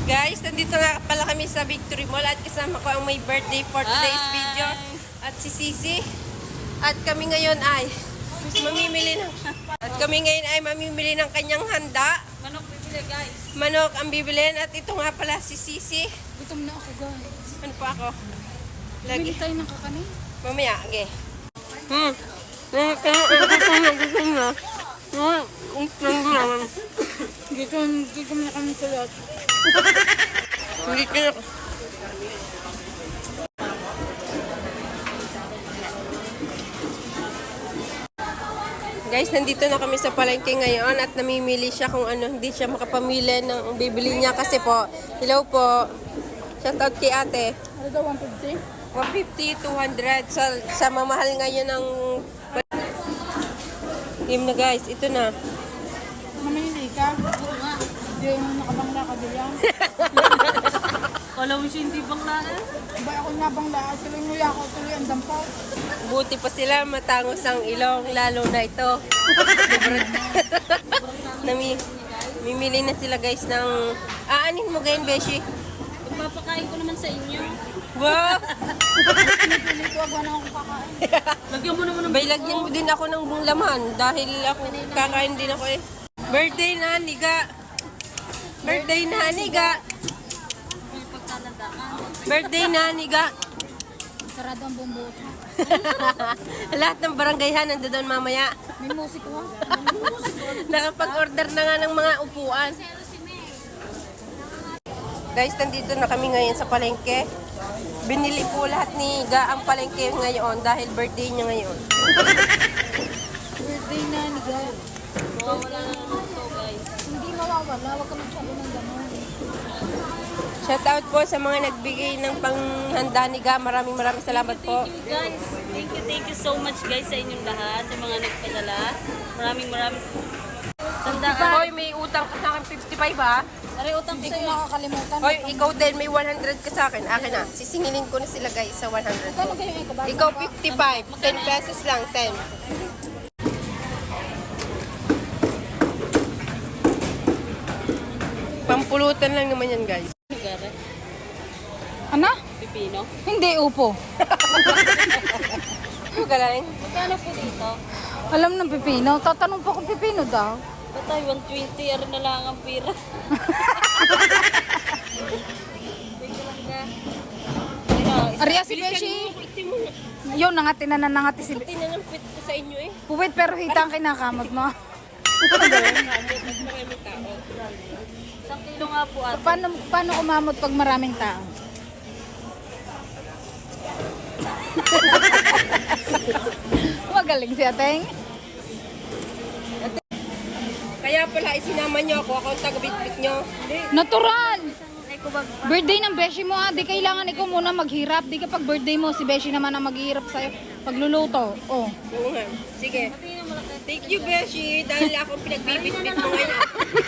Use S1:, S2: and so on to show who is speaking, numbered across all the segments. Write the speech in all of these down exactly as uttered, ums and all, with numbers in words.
S1: Guys, nandito nga pala kami sa Victory Mall at kasama ko ang may birthday for today's
S2: Hi!
S1: video at si Sisi. At kami ngayon ay mamimili ng at kami ngayon ay mamimili ng kanyang handa.
S2: Manok bibili, guys.
S1: Manok ang bibilin at ito nga pala si Sisi.
S2: Gutom na ako, guys.
S1: Ano pa ako? Lagi.
S2: Bili tayo ng kakanin.
S1: Mamaya, okay. Hmm. Gutom na, gutom na. Hmm. Gutom na.
S2: Gutom, gutom na kami kulot.
S1: Hindi kaya. Guys, nandito na kami sa palengke ngayon at namimili siya kung ano, hindi siya makapamili ng bibili niya kasi po. Hello po. Shoutout kay ate.
S2: Ano daw, one fifty?
S1: one fifty, two hundred. Sa, sa mamahal ngayon ng... Game na guys, ito na.
S2: Mamili ka? Oo nga. Yung nakabangla ka diyan. Kala mo siya hindi bangla eh? Ba ako nabangla? Tuloy mo ako, tuloy ang dampaw.
S1: Buti pa sila, matangos ang ilong, lalo na ito. Nami, mimili na sila guys ng... Aanin mo gayon, Beshi?
S2: Ipapakain ko naman sa inyo.
S1: Wow!
S2: Pinipili ko, wag na akong kakain. Lagyan mo naman ng
S1: Bay, lagyan mo din ako ng laman dahil ako kakain din ako eh. Birthday na, niga. Birthday na, niga.
S2: may pagkalandaan.
S1: Birthday na, niga.
S2: Sarado ang bumbuot mo.
S1: Lahat ng barangayhan nandoon mamaya.
S2: May musik ko.
S1: Nakapag-order na nga ng mga upuan. Guys, nandito na kami ngayon sa palengke. Binili po lahat ni Ga ang palengke ngayon dahil birthday niya ngayon.
S2: Birthday na ni God. Mawawala na naman to, guys. Hindi mawawala. Huwag ka magsabi ng gano'n.
S1: Shoutout po sa mga nagbigay ng panghanda ni Ga. Maraming maraming salamat po.
S3: Thank you guys. Thank you, thank you so much guys sa inyong lahat, sa mga nagpadala. Maraming maraming tandaan.
S1: Hoy, may utang ka sa akin fifty-five ha?
S3: Aray, utang ko
S2: Hindi ko
S3: sa'yo.
S2: makakalimutan.
S1: Hoy, ikaw din may one hundred ka sa akin. Akin na. Sisingilin ko na sila guys sa one hundred.
S2: Kano kayo yung ikabasa?
S1: Ikaw fifty-five. ten pesos lang. ten. Pampulutan lang naman yan guys.
S3: Gara,
S2: Ano?
S3: pipino.
S2: Hindi, upo.
S1: Ano galing?
S3: Magkano po dito?
S2: Alam ng pipino. Tatanong pa kung pipino daw.
S3: Patay, one twenty. Aray na lang ang pira.
S2: Arya si Beshi. Yun, nangati na na nangati si Beshi.
S1: Tinanampit ko sa inyo eh.
S2: Puwit pero hita ang kinakamot mo.
S1: Maraming tao.
S3: Isang kilo nga po at
S2: Paano, paano kumamot pag maraming tao? Magaling si Ateng.
S1: Kaya pala isinama niyo ako. Ako ang taga-bitbit niyo.
S2: Natural! Birthday ng Beshi mo ah. Di kailangan ikaw muna maghirap. Di kapag birthday mo, si Beshi naman ang maghihirap sa'yo. Pagluluto. Oh.
S1: Oo nga. Sige. Thank you, Beshi. Dahil ako ang pinagbibitbit mo ngayon.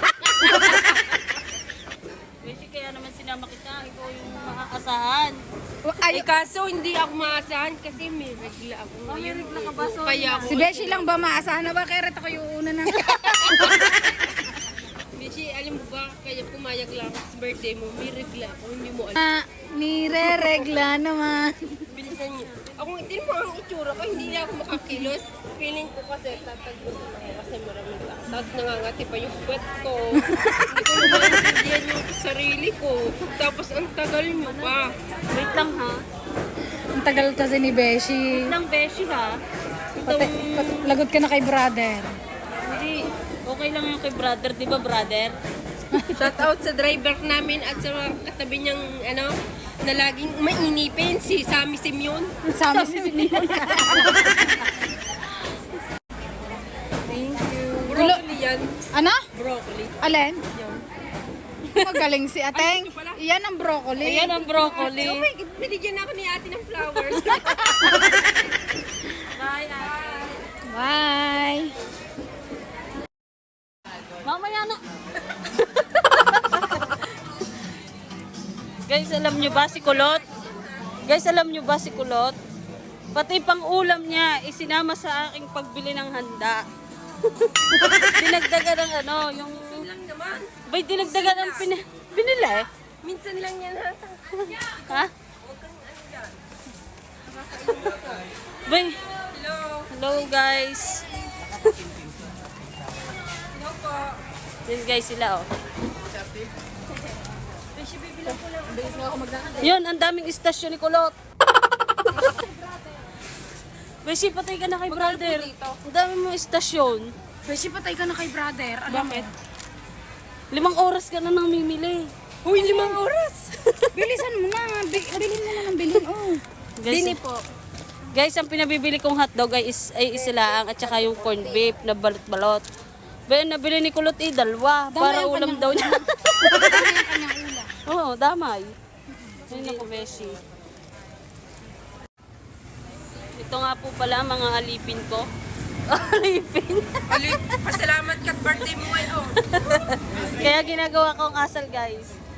S3: Beshi, kaya naman sinama kita. Ikaw yung makakasahan.
S1: Ay, kaso hindi ako maasahan kasi may regla ako
S3: Oh, may
S1: ngayon.
S3: regla ka ba? So,
S1: Kaya ako.
S2: Si Beshi lang ba maasahan na ba? Kaya rin ako yung una na.
S1: Beshi, alam mo ba, kaya pumayag lang ako sa birthday mo, may regla ako, hindi mo alam.
S2: Ah, nire-regla naman.
S1: Bilisan niyo. Ako, hindi mo ang itsura ko, hindi na ako makakilos. Feeling ko kasi tatagos na ako kasi maraming tao. Tapos nangangati pa yung puwet ko. Hindi ko naman naintindihan yung sarili ko. Tapos ang tagal niyo pa.
S3: wait lang ha.
S2: Ang tagal kasi ni Beshi.
S3: Wait lang, Beshi ha.
S2: Pati, pati, lagot ka na kay brother.
S3: Hindi. Okay lang yung kay brother, di ba brother?
S1: Shout out sa driver namin at sa mga katabi niyang ano, na laging mainipin, si Sammy Simeon.
S2: Sa amin si Simeon.
S1: Thank you. Broccoli yan.
S2: Ano?
S1: Broccoli.
S2: Alin? Magaling si Ateng. Iyan ang broccoli.
S3: Ayan ang broccoli.
S1: Oh my God, binigyan ako ni ate ng flowers.
S3: Bye, ate.
S2: Bye.
S3: Mamaya na. Guys, alam nyo ba si Kulot? Guys, alam nyo ba si Kulot? Pati pang ulam niya, isinama sa aking pagbili ng handa. Dinagdagan ng ano, yung...
S1: lang naman.
S3: Bay, dinagdagan ng pin... Binili?
S1: Minsan lang yan ha.
S3: Ha?
S1: Huwag kang ano yan.
S3: Bay,
S1: Hello.
S3: hello guys.
S1: Hello po.
S3: Yun guys sila oh.
S1: Beshi, bibilang ko lang.
S2: Bilis na ako magdaan.
S3: Yun, ang daming istasyon ni Kulot. Beshi, patay ka na kay brother. Ang dami mong istasyon.
S2: Beshi, patay ka na kay brother. Alam
S3: Bakit? Limang oras ka na nang mimili.
S1: Uy, limang oras.
S2: Bilisan mo na. Bi- bilhin mo na ng bilhin. Oh.
S3: Guys,
S1: Dini po.
S3: guys, ang pinabibili kong hotdog ay, is, ay isilaang at saka yung corned beef na balot-balot. Ba, nabili ni Kulot eh, dalawa. Para
S2: yung
S3: ulam
S2: kanyang
S3: daw niya.
S2: Dami yung kanyang ulam.
S3: Oo, damay. Ayun ako, Beshi. Ito nga po pala mga alipin ko. Alipin?
S1: Ali, pasalamat ka birthday mo ngayon.
S3: Kaya ginagawa kong asal, guys.